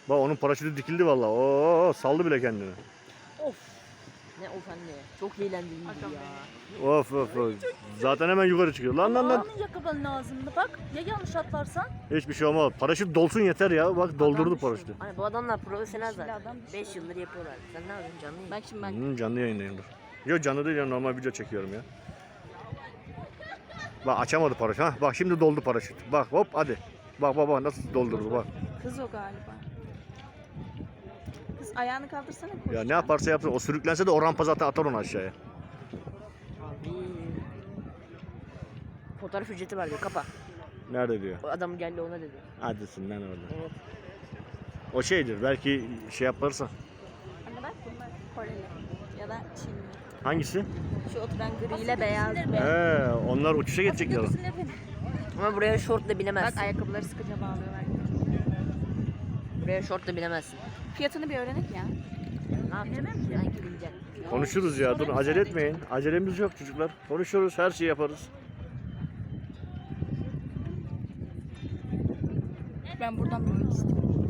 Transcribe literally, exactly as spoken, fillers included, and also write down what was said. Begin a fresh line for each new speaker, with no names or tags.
Bak onun paraşütü dikildi vallahi. Oo saldı bile kendini.
Of. Ne of anne. Çok eğlendim ya.
Of of of. Zaten hemen yukarı çıkıyor. Lan lan lan.
Ağanın yakabanın ağzında bak. Ya yanlış atlarsan?
Hiçbir şey olmaz. Paraşüt dolsun yeter ya. Bak doldurdu
düşüyor.
paraşütü.
Hani bu adamlar profesyonel
Şimdi
zaten.
adam düşüyor.
beş yıldır yapıyorlar. Sen ne yapıyorsun canlı yayın?
Bak şimdi bak.
Hmm, canlı yayındayım dur. Yok canlı değil ya, normal video çekiyorum ya. Bak açamadı paraşüt. Hah bak şimdi doldu paraşüt. Bak hop hadi. Bak bak bak nasıl doldurdu bak.
Kız o galiba. Kız ayağını kaldırsana. koş.
Ya ne yaparsa yapsın o sürüklense de o rampa zaten atar onu aşağıya.
Abi. Fotoğraf ücreti var diyor. Kapa.
Nerede diyor.
O adam geldi ona dedi.
Hadisin lan orada.
Evet.
O şeydir belki şey yaparsa.
Anne bak bunlar Koreli ya da Çinli.
Hangisi?
Şu oturan gri ile beyaz.
He, onlar uçuşa geçecekler.
Götürsünler beni.
Ama buraya şortla binemezsin.
Bak ayakkabıları sıkıca bağlıyorlar.
Buraya şortla binemezsin.
Fiyatını bir öğrenek ya.
Ne yapacaksın? Sanki bileceksin.
Konuşuruz ya dur acele etmeyin. Acelemiz yok çocuklar. Konuşuruz her şeyi yaparız.
Ben buradan bulmak istiyorum.